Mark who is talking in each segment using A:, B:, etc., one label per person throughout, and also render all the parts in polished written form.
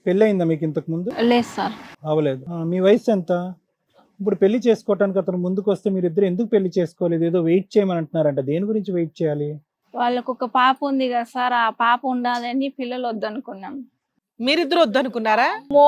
A: పెళ్ళి అయిందా మీకు ఇంతకు ముందు?
B: లేదు సార్.
A: అవ్వలేదు. మీ వయసు ఎంత? ఇప్పుడు పెళ్లి చేసుకోవటానికి అతను ముందుకు వస్తే మీరు ఇద్దరు ఎందుకు పెళ్లి చేసుకోలేదు? ఏదో వెయిట్ చేయమని అంటున్నారంట. దేని గురించి వెయిట్ చేయాలి?
B: వాళ్ళకు ఒక పాప ఉంది కదా సార్, ఆ పాప ఉండాలని పిల్లలు వద్దనుకున్నాం.
C: మీరిద్దరు వద్దనుకున్నారా?
B: ఓ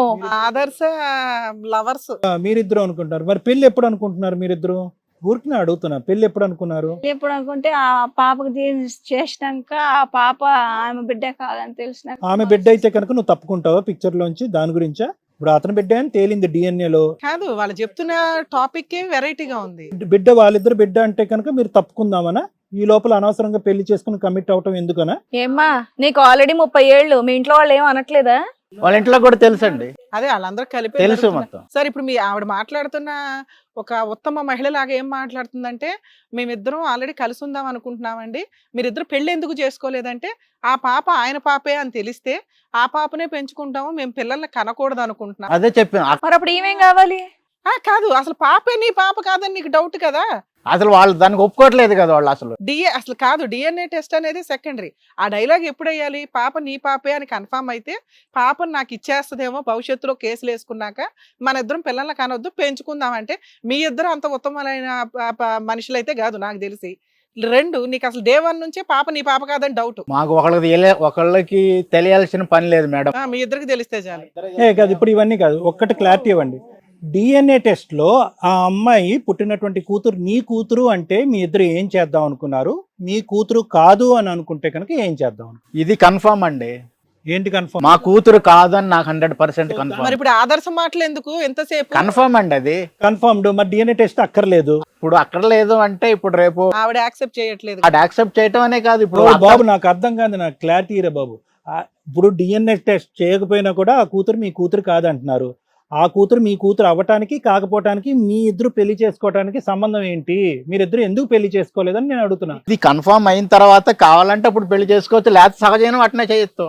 C: ఆదర్శ లవర్స్.
A: మీరిద్దరు అనుకుంటారు. మరి పెళ్లి ఎప్పుడు అనుకుంటున్నారు మీరిద్దరు? ఊరికి అడుగుతున్నా, పెళ్లి ఎప్పుడు అనుకున్నారు?
B: ఎప్పుడు అనుకుంటే ఆ పాపకు చేసినాక ఆ పాప ఆమె బిడ్డ కాదని తెలిసిన.
A: ఆమె బిడ్డ అయితే కనుక నువ్వు తప్పుకుంటావా పిక్చర్ లోంచి? దాని గురించా? ఇప్పుడు అతని బిడ్డ అని తేలింది DNA లో.
C: కాదు, వాళ్ళు చెప్తున్న టాపిక్ వెరైటీగా ఉంది.
A: బిడ్డ వాళ్ళిద్దరు బిడ్డ అంటే కనుక మీరు తప్పుకుందామనా? ఈ లోపల అనవసరంగా పెళ్లి చేసుకుని కమిట్ అవటం ఎందుకనా?
B: ఏమ్మా నీకు ఆల్రెడీ 30 ఏళ్ళు, మీ ఇంట్లో వాళ్ళు ఏం అనట్లేదా?
D: వాళ్ళ ఇంట్లో కూడా తెలుసండి,
C: అదే వాళ్ళందరూ కలిపి
D: తెలుసు మొత్తం.
C: సార్ ఇప్పుడు మీ ఆవిడ మాట్లాడుతున్న ఒక ఉత్తమ మహిళ లాగా ఏం మాట్లాడుతుందంటే, మేమిద్దరం ఆల్రెడీ కలిసి ఉందాం అనుకుంటున్నామండి, మీరిద్దరు పెళ్లి ఎందుకు చేసుకోలేదంటే, ఆ పాప ఆయన పాపే అని తెలిస్తే ఆ పాపనే పెంచుకుంటాము, మేము పిల్లల్ని కనకూడదు అనుకుంటున్నాం.
D: అదే చెప్పాను.
B: మరి అప్పుడు ఏమేం కావాలి?
C: కాదు, అసలు పాపే నీ పాప కాదని నీకు డౌట్ కదా?
D: అసలు వాళ్ళు దానికి ఒప్పుకోవట్లేదు కదా వాళ్ళు.
C: అసలు కాదు, DNA టెస్ట్ అనేది సెకండరీ. ఆ డైలాగ్ ఎప్పుడు వేయాలి? పాప నీ పాపే అని కన్ఫర్మ్ అయితే పాపను నాకు ఇచ్చేస్తుందేమో భవిష్యత్తులో కేసులు వేసుకున్నాక, మన ఇద్దరం పిల్లల్ని కనొద్దు పెంచుకుందామంటే, మీ ఇద్దరు అంత ఉత్తమమైన మనుషులైతే కాదు నాకు తెలిసి. 2, నీకు అసలు డే 1 నుంచే పాప నీ పాప కాదని డౌట్.
D: మాకు ఒకళ్ళకి తెలియాల్సిన పని లేదు మేడం,
C: మీ ఇద్దరికి తెలిస్తే చాలు.
A: కాదు, ఇప్పుడు ఇవన్నీ కాదు, ఒక్కటి క్లారిటీ ఇవ్వండి. DNA టెస్ట్ లో ఆ అమ్మాయి పుట్టినటువంటి కూతురు నీ కూతురు అంటే మీ ఇద్దరు ఏం చేద్దాం అనుకున్నారు? మీ కూతురు కాదు అని అనుకుంటే కనుక ఏం చేద్దాం?
D: ఇది కన్ఫర్మ్ అండి.
A: ఏంటి కన్ఫర్మ్?
D: మా కూతురు కాదు అని నాకు 100% కన్ఫర్మ్.
C: మరి ఇప్పుడు ఆదర్శ మాటలు ఎందుకు ఎంతసేపు?
D: కన్ఫర్మ్ అండి, అది
A: కన్ఫర్మ్డ్. మరి DNA టెస్ట్ అక్కర్లేదు.
D: ఇప్పుడు అక్కడ లేదు అంటే ఇప్పుడు రేపు
C: ఆవిడ యాక్సెప్ట్ చేయట్లేదు.
D: అది యాక్సెప్ట్ చేయటం అనే కాదు. ఇప్పుడు
A: బాబు నాకు అర్థం కాదు, నాకు క్లారిటీ రా బాబు. ఇప్పుడు DNA టెస్ట్ చేయకపోయినా కూడా ఆ కూతురు మీ కూతురు కాదంటున్నారు. ఆ కూతురు మీ కూతురు అవ్వటానికి కాకపోవటానికి మీ ఇద్దరు పెళ్లి చేసుకోవటానికి సంబంధం ఏంటి? మీరిద్దరు ఎందుకు పెళ్లి చేసుకోలేదని నేను అడుగుతున్నా.
D: ఇది కన్ఫర్మ్ అయిన తర్వాత కావాలంటే అప్పుడు పెళ్లి చేసుకోవచ్చు, లేకపోతే సహజమైన వాటినే చేయొచ్చు.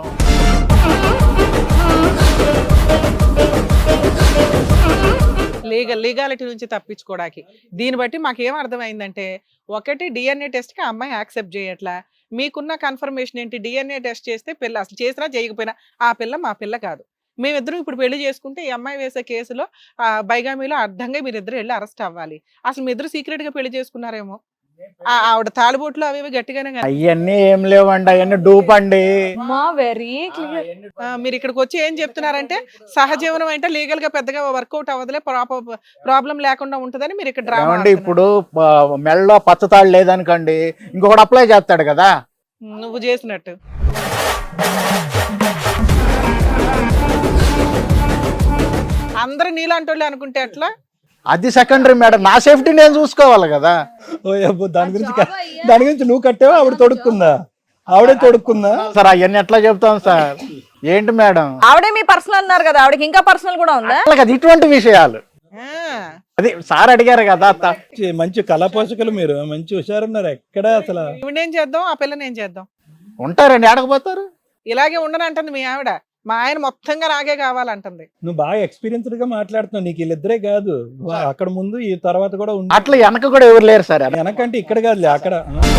C: లీగాలిటీ నుంచి తప్పించుకోవడానికి దీన్ని బట్టి మాకేం అర్థమైందంటే, ఒకటి DNA టెస్ట్ కి అమ్మాయి యాక్సెప్ట్ చేయట్లా. మీకున్న కన్ఫర్మేషన్ ఏంటి? DNA టెస్ట్ చేస్తే పిల్ల, అసలు చేసినా చేయకపోయినా ఆ పిల్ల మా పిల్ల కాదు. మేమిద్దరం ఇప్పుడు పెళ్లి చేసుకుంటే ఈ అమ్మాయి వేసే కేసులో బైగామీలో అర్థంగా మీరిద్దరు వెళ్ళి అరెస్ట్ అవ్వాలి. అసలు మీ ఇద్దరు సీక్రెట్ గా పెళ్లి చేసుకున్నారేమో. ఆవిడ తాలిబోట్లు అవి గట్టిగానే.
D: అవన్నీ ఏం లేవండి, అవన్నీ డూప్ అండి.
B: Very clear.
C: మీరు ఇక్కడికి వచ్చి ఏం చెప్తున్నారంటే, సహజీవనం అంటే లీగల్ గా పెద్దగా వర్కౌట్ అవ్వదులే, ప్రాబ్లం లేకుండా ఉంటుందని మీరు ఇక్కడ డ్రామా.
D: ఇప్పుడు మెడలో పచ్చతాడు లేదనుకోండి, ఇంకొకటి అప్లై చేస్తాడు కదా,
C: నువ్వు చేసినట్టు. అందరు నీలాంటి అనుకుంటే అట్లా.
D: అది సెకండరీ మేడం, నా సేఫ్టీ నేను చూసుకోవాలి కదా.
A: దాని గురించి నువ్వు కట్టావా? ఆవిడ తొడుక్కుందా? ఆవిడే తొడుక్కుందా
D: సార్? అవన్నీ ఎట్లా చెప్తాం సార్? ఏంటి మేడం,
B: ఆవిడే మీ పర్సనల్ అన్నారు కదా, ఆవిడకి ఇంకా పర్సనల్ కూడా ఉందా?
D: అది ఇటువంటి విషయాలు అది సార్ అడిగారు కదా.
A: మంచి కళా పోషకులు మీరు, మంచి హుషారున్నారు. ఎక్కడ అసలు
C: ఇవిడేం చేద్దాం, ఆ పిల్లని ఏం చేద్దాం?
D: ఉంటారండి, ఆడకపోతారు.
C: ఇలాగే ఉండనంటుంది మీ ఆవిడ. మా ఆయన మొత్తంగా నాగే కావాలంటుంది.
A: నువ్వు బాగా ఎక్స్పీరియన్స్డ్ గా మాట్లాడుతున్నావు. నీకు వీళ్ళిద్దరే కాదు, అక్కడ ముందు ఈ తర్వాత కూడా
D: అట్లా వెనక కూడా ఎవరు లేరు సార్.
A: వెనకంటే ఇక్కడ కాదులే, అక్కడ.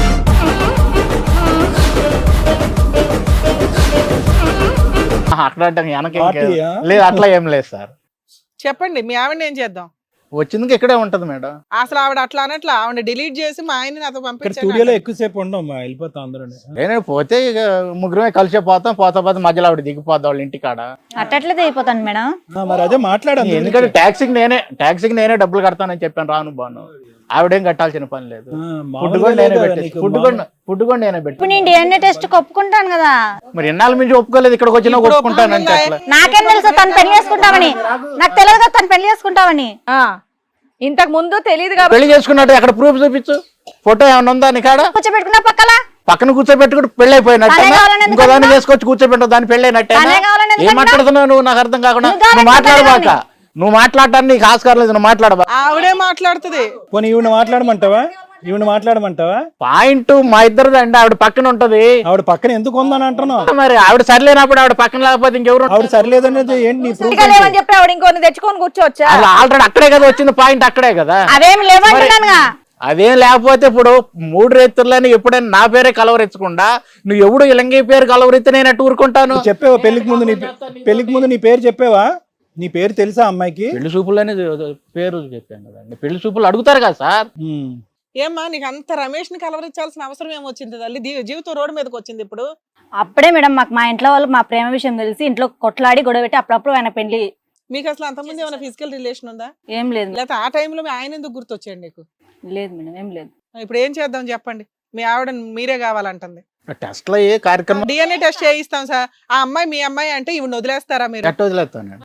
D: అట్లా అంటే వెనక లేదు, అట్లా ఏం లేదు సార్.
C: చెప్పండి, మీ ఆవిడని ఏం చేద్దాం?
D: వచ్చింది ఇక్కడే ఉంటది మేడం.
C: అసలు ఆవిడ అట్లా అనట్లా, ఆవిడ డిలీట్ చేసి మా ఆయన నాతో పంపించాను.
A: స్టూడియోలో ఎక్కువసేపు ఉండవు, వెళ్ళిపోతాం అందరూ.
D: నేను పోతే ఇక ముగ్గురమే కలిసే పోతా పోతే మధ్యలో ఆవిడ దిగిపోద్ది వాళ్ళ ఇంటికాడ.
E: అట్లయితే అయిపోతాను మేడం.
A: మరి అదే మాట్లాడాను,
D: ఎందుకంటే ట్యాక్సీకి నేనే డబ్బులు కడతానని చెప్పాను, రాను బాను. ఆవిడేం కట్టాల్సిన పని లేదు. ఫుడ్ కూడా నేనే పెట్టి.
E: ఇప్పుడు నేను DNA టెస్ట్ ఒప్పుకుంటాను కదా.
D: మరి ఎన్నాళ్ళ నుంచి ఒప్పుకోలేదు, ఇక్కడికి వచ్చినా ఒప్పుకుంటానని చెప్పలే.
E: నాకేం తెలుసు తను పెళ్లి చేసుకుంటామని? నాకు తెలియదు కదా తను పెళ్లి చేసుకుంటామని.
B: ఇంతకు ముందు తెలియదు కాబట్టి
D: పెళ్లి చేసుకున్నట్టు అక్కడ ప్రూఫ్ చూపించు, ఫోటో ఏమైనా ఉందా నీ కాడ?
E: కూర్చోబెట్టుకున్నా
D: పక్కన కూర్చోబెట్టుకుంటే పెళ్లి అయిపోయినట్టు, ఇంకో దాన్ని చేసుకొచ్చి కూర్చోబెట్టు, దాన్ని పెళ్లి అయినట్టే. ఏం మాట్లాడుతున్నావు నువ్వు? నాకు అర్థం కాకుండా నువ్వు మాట్లాడబాక. నువ్వు మాట్లాడటానికి నీకు ఆస్కారం లేదు, నువ్వు మాట్లాడబా.
C: ఆవిడే మాట్లాడుతుంది.
A: పోనీ ఈవిడ మాట్లాడమంటావా?
D: పాయింట్ మా ఇద్దరిది అండి. ఆవిడ పక్కన ఉంటది.
A: ఆవిడ పక్కన ఎందుకు ఉందని అంటున్నావు?
D: మరి ఆవిడ సరిలేనప్పుడు ఆవిడ పక్కన లేకపోతే ఇంకెవరు?
A: ఆవిడ సరిలేదనేది ఏంటి?
B: చెప్పి ఆవిడ ఇంకొన్ని తెచ్చుకొని కూర్చోవచ్చా?
D: ఆల్రెడీ అక్కడే కదా వచ్చింది, పాయింట్ అక్కడే కదా.
E: అవేం లేవంటున్నానుగా.
D: అదేం లేకపోతే ఇప్పుడు 3 రైతులని ఎప్పుడైనా నా పేరే కలవరించకుండా నువ్వు ఎవడు ఇలంగి పేరు కలవరిస్తే నేను అట్టు ఊరుకుంటాను.
A: నువ్వు చెప్పావా పెళ్లికి ముందు నీ పేరు చెప్పావా? నీ పేరు తెలుసా అమ్మాయికి?
D: పెళ్లి చూపులని పేరు చెప్పాను కదండి. పెళ్లి చూపులు అడుగుతారు కదా సార్.
C: ఏమ్మా నీకు అంత రమేష్ ని కలవరించాల్సిన అవసరం ఏమొచ్చింది తల్లి? జీవితం రోడ్డు మీదకి వచ్చింది ఇప్పుడు.
E: అప్పుడే మేడం మాకు మా ఇంట్లో వాళ్ళు మా ప్రేమ విషయం తెలిసి ఇంట్లో కొట్లాడి గొడవ పెట్టి అప్పుడప్పుడు ఆయన పెళ్లి.
C: మీకు అసలు అంతకుముందు ఏమైనా ఫిజికల్ రిలేషన్ ఉందా?
E: ఏం లేదు
C: లేకపోతే ఆ టైంలో మీ ఆయన ఎందుకు గుర్తొచ్చాడు నీకు?
E: లేదు మేడం, ఏం లేదు.
C: ఇప్పుడు ఏం చేద్దాం చెప్పండి? మీ ఆవిడ మీరే కావాలంటుంది.
D: టెస్ట్ లో ఏ కార్యక్రమం
C: డిఎన్ఏ టెస్ట్ చేయిస్తాం సార్. ఆ అమ్మాయి మీ అమ్మాయి అంటే ఇవి వదిలేస్తారా మీరు?
D: ఎట్ట వదిలేస్తాను.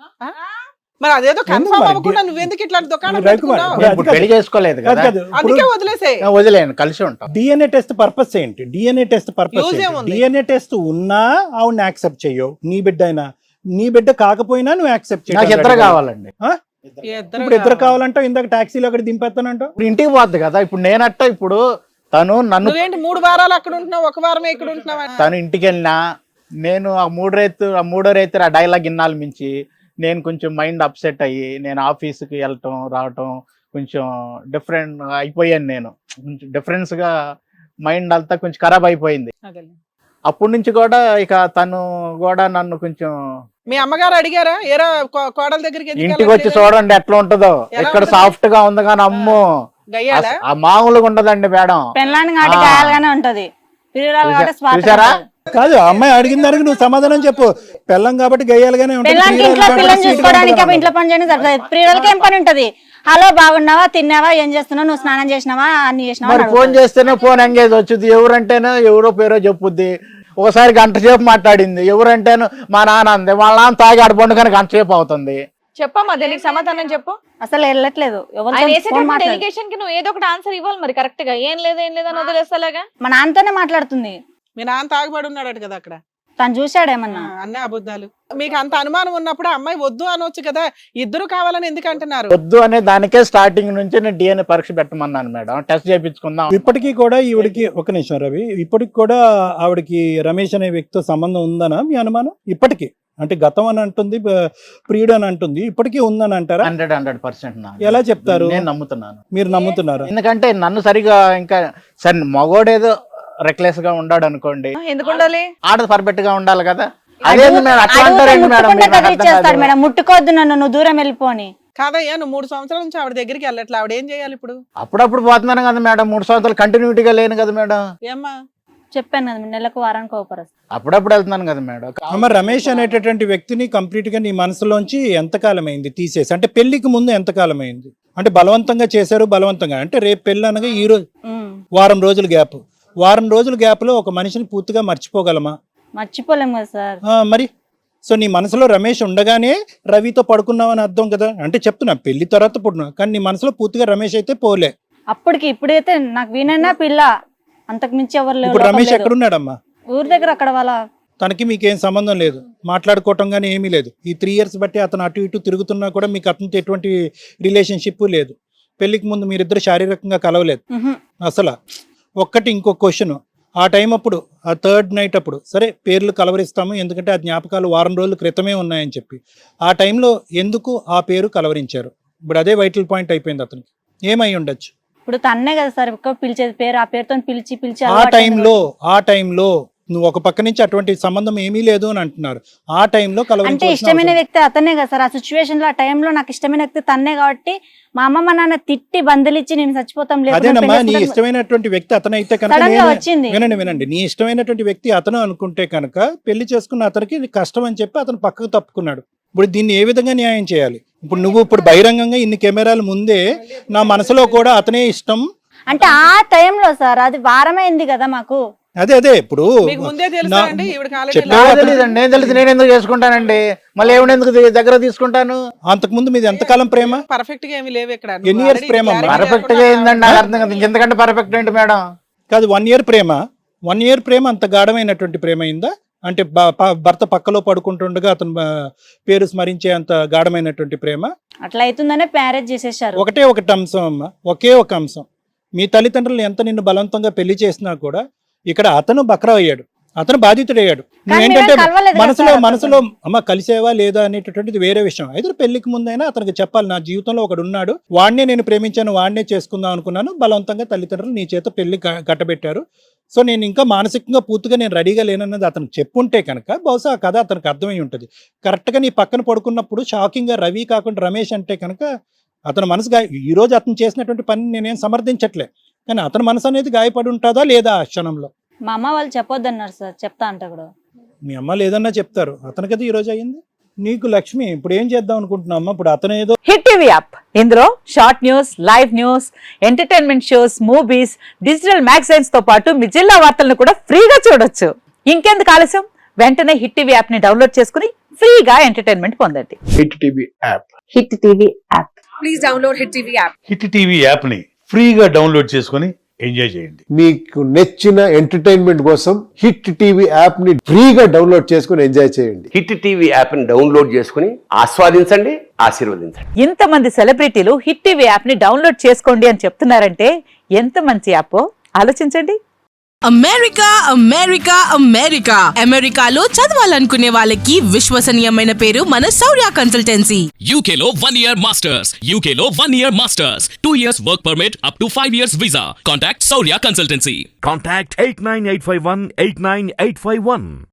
C: మరి అదేదో కన్ఫర్మ్
A: మరి
C: అవ్వకుండా నువ్వెందుకు ఇట్లా దుకాణం
A: రవికుమార్,
C: పెట్టుకున్నావు?
D: నేను ఇప్పుడు పెళ్లి చేసుకోలేదు కదా,
C: అందుకే వదిలేసే.
D: వదిలేను, కలిసి ఉంటాం.
A: డిఎన్ఏ టెస్ట్ పర్పస్ ఏంటి? డిఎన్ఏ టెస్ట్ పర్పస్
C: Use ఏముంది?
A: డిఎన్ఏ టెస్ట్ ఉన్నా ఆవిడని యాక్సెప్ట్ చెయ్యవు. నీ బిడ్డ అయినా నీ బిడ్డ కాకపోయినా నువ్వు యాక్సెప్ట్
D: నాకు ఇద్దరు
A: చేయవు.
D: కావాలండి.
A: ఇప్పుడు ఇద్దరు కావాలంటావు, ఇందాక టాక్సీలో అక్కడ దింపేస్తానంటావు.
D: ఇప్పుడు ఇంటికి పోద్ది కదా. ఇప్పుడు నేనట్ట ఇప్పుడు తను నన్ను
C: నువ్వేంటి 3 వారాలు అక్కడ ఉంటున్నావు, 1 వారమే ఇక్కడ ఉంటున్నావా?
D: తను ఇంటికి వెళ్ళినా నేను ఆ మూడో రైతు ఆ డైలాగ్ ఇన్నాళ్ళు మించి నేను కొంచెం మైండ్ అప్సెట్ అయ్యి నేను ఆఫీస్కి వెళ్ళటం రావటం కొంచెం డిఫరెంట్ అయిపోయాను. నేను కొంచెం డిఫరెన్స్ గా మైండ్ అంతా కొంచెం ఖరాబ్ అయిపోయింది. అప్పటి నుంచి కూడా ఇక తను కూడా నన్ను కొంచెం.
C: మీ అమ్మగారు అడిగారా ఏరా కోడల దగ్గరికి ఎందుకు
D: ఇంటికి వచ్చి
C: వెళ్ళట్లేదు?
D: చూడండి ఎట్లా ఉంటుందో.
C: ఎలా
D: ఇక్కడ
C: ఉంటుంది?
D: సాఫ్ట్ గా ఉంది కానీ అమ్మో
C: గయ్యాలా?
D: ఆ మామూలుగా ఉండదండి మేడం.
E: పెళ్ళాన్ని కాబట్టి
D: ఆ.
E: గాయాలుగానే ఉంటది, పిల్లలు కాబట్టి స్వార్థం
D: చూసారా?
E: ఉంటది.
A: కాదు, ఆ అమ్మాయి అడిగిన దానికి నువ్వు సమాధానం చెప్పు. పెళ్ళం కాబట్టి గయ్యాలుగానే ఉంటుంది,
E: పెళ్ళానికి
A: ప్రియురాలు
E: ఇంట్లో
A: కాబట్టి
E: పిల్లల్ని
A: sweet గా
E: చూసుకోవడానికి
A: ఉంటుంది
E: ఇంట్లో పని చేయడానికి సరిపోతుంది. ప్రియులకి ఏం పని ఉంటది? హలో బాగున్నావా, తిన్నావా, ఏం చేస్తున్నావు, నువ్వు స్నానం చేసినావా, అన్ని చేసినావా
D: మరి
E: అని
D: ఫోన్
E: అడుగుతుంది.
D: చేస్తేనే ఫోన్ ఎంగేజ్ వచ్చింది. ఎవరంటేనో ఎవరో పేరో చెప్పుద్ది. ఒకసారి గంట సేపు మాట్లాడింది. ఎవరంటేనో మా నాన్న అంది. వాళ్ళ నాన్న తాగి ఆడ పండుగని గంట సేపు అవుతుంది.
F: చెప్పమ్మా, దీనికి సమాధానం చెప్పు.
E: అసలు వెళ్ళట్లేదు.
F: ఆయన
E: ఎవరితో
F: వేసేటప్పుడు
E: ఫోన్ మాట్లాడు.
F: డెలిగేషన్ కి నువ్వు ఏదో ఒకటి ఆన్సర్ ఇవ్వాలి మరి కరెక్ట్ గా. ఏం లేదు అని వదిలేస్తాలాగా.
E: మా నాన్నతోనే మాట్లాడుతుంది.
C: మీ నాన్న తాగుబడి ఉన్నాడట కదా అక్కడ.
E: తను చూశాడేమన్నా.
C: అన్నీ అబద్ధాలు. మీకు అంత అనుమానం ఉన్నప్పుడు ఆ అమ్మాయి వద్దు అనొచ్చు కదా. ఇద్దరు కావాలని ఎందుకు అంటున్నారు?
D: వద్దు అనే దానికే స్టార్టింగ్ నుంచి నేను డిఎన్ఏ పరీక్ష పెట్టమన్నాను మేడం. టెస్ట్ చేయించుకుందాం.
A: ఇప్పటికీ కూడా ఈవిడికి ఒక నిమిషం రవి, ఇప్పటికి కూడా ఆవిడకి రమేష్ అనే వ్యక్తితో సంబంధం ఉందనా మీ అనుమానం? ఇప్పటికీ అంటే గతం అని అంటుంది, ప్రియుడు అని అంటుంది, ఇప్పటికీ ఉందని అంటారా?
D: 100%
A: ఎలా చెప్తారు?
D: నేను నమ్ముతున్నాను.
A: మీరు నమ్ముతున్నారు?
D: ఎందుకంటే నన్ను సరిగా ఇంకా సరే మగోడేదో రెక్లెస్ గా ఉండాడు అనుకోండి,
F: ఎందుకు ఉండాలి?
D: ఆడ పర్ఫెక్ట్ గా ఉండాలి కదా. అదేంది మేడం అట్లా అంటారేంటి మేడం?
E: ముట్టుకుంటే
D: మీరు నాకు అర్థం
E: కదిలిచ్చేస్తాడు
D: కాదు.
E: మేడం. ముట్టుకోవద్దు నన్ను, నువ్వు దూరం వెళ్ళిపోని.
C: కాదయ్యా, నువ్వు 3 సంవత్సరాల నుంచి ఆవిడ దగ్గరికి వెళ్ళట్లే. ఆవిడ ఏం చేయాలి ఇప్పుడు?
D: అప్పుడప్పుడు పోతున్నాను కదా మేడం. 3 సంవత్సరాలు కంటిన్యూటీగా లేను కదా మేడం.
C: ఏమ్మా
E: చెప్పాను కదా, నెలకు వారానికి ఒకపరస్.
D: అప్పుడప్పుడు వెళ్తున్నాను కదా మేడం.
A: అమ్మ, రమేష్ అనేటటువంటి వ్యక్తిని కంప్లీట్ గా నీ మనసులోంచి ఎంతకాలం అయింది తీసేసి? అంటే పెళ్లికి ముందు ఎంతకాలం అయింది? అంటే బలవంతంగా చేశారు, బలవంతంగా అంటే రేపు పెళ్ళి అనగా ఈ రోజు వారం రోజుల గ్యాప్. వారం రోజుల గ్యాప్ లో ఒక మనిషిని పూర్తిగా మర్చిపోగలమా?
E: మర్చిపోలేము కదా సార్.
A: మరి సో నీ మనసులో రమేష్ ఉండగానే రవితో పడుకున్నావు అని అర్థం కదా. అంటే చెప్తున్నా పెళ్లి తర్వాత పుట్టినావు, కానీ నీ మనసులో పూర్తిగా రమేష్ అయితే పోలే.
E: అప్పటికి ఇప్పుడైతే నాకు వీణన్నా పిల్ల, అంతకు మించి ఎవరు లేరు.
A: ఇప్పుడు
E: లోకం
A: రమేష్
E: లేదు.
A: ఎక్కడున్నాడమ్మా?
E: ఊరి దగ్గర అక్కడ వాళ్ళ
A: తనకి మీకేం సంబంధం లేదు, మాట్లాడుకోవటం కానీ ఏమీ లేదు. ఈ 3 years బట్టి అతను అటు ఇటు తిరుగుతున్నా కూడా మీకు అతనితో ఎటువంటి రిలేషన్షిప్ లేదు. పెళ్లికి ముందు మీరిద్దరు శారీరకంగా కలవలేదు అసలు. ఒక్కటి ఇంకో క్వశ్చన్, ఆ టైం అప్పుడు ఆ 3rd night అప్పుడు సరే పేర్లు కలవరిస్తాము ఎందుకంటే ఆ జ్ఞాపకాలు వారం రోజుల క్రితమే ఉన్నాయని చెప్పి, ఆ టైంలో ఎందుకు ఆ పేరు కలవరించారు? ఇప్పుడు అదే వైటల్ పాయింట్ అయిపోయింది అతనికి. ఏమై ఉండొచ్చు?
E: ఇప్పుడు తన్నే కదా సార్ ఎక్కువ పిలిచేది పేరు, ఆ పేరుతో పిలిచి పిలిచి
A: ఆ టైంలో నువ్వు ఒక పక్క నుంచి అటువంటి సంబంధం ఏమీ లేదు అని అంటున్నారు. ఆ టైంలో
E: అంటే
A: కలవరించాల్సిన
E: ఇష్టమైన
A: అవసరం-
E: వ్యక్తి అతనే కదా సార్. ఆ సిచ్యువేషన్ లో ఆ టైంలో నాకు ఇష్టమైన వ్యక్తి తన్నే కాబట్టి మా అమ్మ మా నాన్న తిట్టి బంధులిచ్చి నేను చచ్చిపోతాం లేదు
A: అదేనమ్మా, నీ ఇష్టమైనటువంటి వ్యక్తి అతను అయితే కనుక
E: సడన్ గా
A: నేను-
E: వచ్చింది.
A: వినండి, నీ ఇష్టమైనటువంటి వ్యక్తి అతను అనుకుంటే కనుక పెళ్లి చేసుకున్న అతనికి ఇది కష్టం అని చెప్పి అతను పక్కకు తప్పుకున్నాడు. ఇప్పుడు దీన్ని ఏ విధంగా న్యాయం చేయాలి? ఇప్పుడు నువ్వు ఇప్పుడు బహిరంగంగా ఇన్ని కెమెరాల ముందే నా మనసులో కూడా అతనే ఇష్టం
E: అంటే ఆ టైంలో సార్ అది వారమైంది కదా మాకు.
A: అదే ఇప్పుడు
C: మీకు ముందే తెలుసా అండి ఈవిడ కాలేజీ
A: చెప్పావా?
D: నాకు తెలియదండి. నేను తెలిసి నేను ఎందుకు చేసుకుంటానండి? మళ్ళీ ఏమైనా ఎందుకు దగ్గర తీసుకుంటాను?
A: అంతకు ముందు మీది ఎంతకాలం ప్రేమ?
C: పర్ఫెక్ట్ గా ఏమి లేవు ఇక్కడ.
A: ఎన్ని years ప్రేమ అమ్మా?
D: పర్ఫెక్ట్ గా ఏందండి నాకు అర్థం కదా. ఇంకెంతకంటే పర్ఫెక్ట్ ఏంటి మేడం?
A: కాదు, 1 year ప్రేమ. 1 year ప్రేమ అంత గాఢమైనటువంటి ప్రేమ అయిందా? అంటే భర్త పక్కలో పడుకుంటుండగా అతను పేరు స్మరించే అంత గాఢమైనటువంటి ప్రేమ?
E: అట్లా అవుతుందనే మ్యారేజ్ చేసేసారు.
A: ఒకటే ఒకటి అంశం అమ్మ, ఒకే ఒక అంశం. మీ తల్లిదండ్రులు ఎంత నిన్ను బలవంతంగా పెళ్లి చేసినా కూడా ఇక్కడ అతను బక్రా అయ్యాడు. అతను బాధితుడయ్యాడు.
E: కానీ
A: నువ్వేంటంటే
E: మీరేం కలవలేదు కదా
A: మనసులో
E: సార్
A: మనసులో అమ్మ కలిసేవా లేదా అనేటటువంటిది వేరే విషయం. అయితే పెళ్లికి ముందైనా అతనికి చెప్పాలి, నా జీవితంలో ఒకడు ఉన్నాడు, వాడినే నేను ప్రేమించాను, వాడినే చేసుకుందాం అనుకున్నాను, బలవంతంగా తల్లిదండ్రులు నీ చేత పెళ్లి కట్టబెట్టారు, సో నేను ఇంకా మానసికంగా పూర్తిగా నేను రెడీగా లేనన్నది అతనికి చెప్పుంటే కనుక బహుశా ఆ కథ అతనికి అర్థమై ఉంటుంది. కరెక్ట్గా నీ పక్కన పడుకున్నప్పుడు షాకింగ్గా రవి కాకుండా రమేష్ అంటే కనుక అతని మనసు ఈ రోజు అతను చేసినటువంటి పని నేనేం సమర్థించట్లే, కానీ అతని మనసు అనేది గాయపడి ఉంటుందా లేదా ఆ క్షణంలో.
E: మా అమ్మ వాళ్ళు చెప్పొద్దన్నారు సార్, చెప్తా అంటే కూడా
A: మీ అమ్మ లేదన్నా చెప్తారు, అతనికది ఈ రోజు అయ్యింది. నీకు లక్ష్మి ఇప్పుడు ఏం చేద్దాం అనుకుంటున్నావు అమ్మ? ఇప్పుడు అతను ఏదో
G: హిట్ టీవీ యాప్, ఇందులో short news, live news, entertainment shows, movies, digital magazines తో పాటు మీ జిల్లా వార్తలను కూడా ఫ్రీగా చూడొచ్చు. ఇంకెందుకు ఆలస్యం, వెంటనే హిట్ టీవీ యాప్ ని డౌన్లోడ్ చేసుకుని ఫ్రీగా ఎంటర్టైన్మెంట్ పొందండి.
H: Hit TV app.
G: Hit TV app.
I: Hit TV యాప్ని ఫ్రీగా డౌన్లోడ్ చేసుకొని ఎంజాయ్ చేయండి.
H: మీకు నచ్చిన ఎంటర్టైన్మెంట్ కోసం హిట్ టీవీ యాప్ ని ఫ్రీగా డౌన్లోడ్ చేసుకుని ఎంజాయ్ చేయండి.
J: హిట్ టీవీ యాప్ ని డౌన్లోడ్ చేసుకుని ఆస్వాదించండి, ఆశీర్వదించండి.
G: ఇంతమంది సెలబ్రిటీలు హిట్ టీవీ యాప్ ని డౌన్లోడ్ చేసుకోండి అని చెప్తున్నారంటే ఎంత మంచి యాప్ ఆలోచించండి.
K: అమెరికా అమెరికా అమెరికా అమెరికాలో చదవాలనుకునే వాళ్ళకి విశ్వసనీయమైన పేరు మన శౌర్య కన్సల్టెన్సీ.
L: UK లో 1 year masters, UK లో 1 year masters, 2 years work permit up to 5 years visa. Contact Saurya Consultancy.
M: Contact 89851 89851.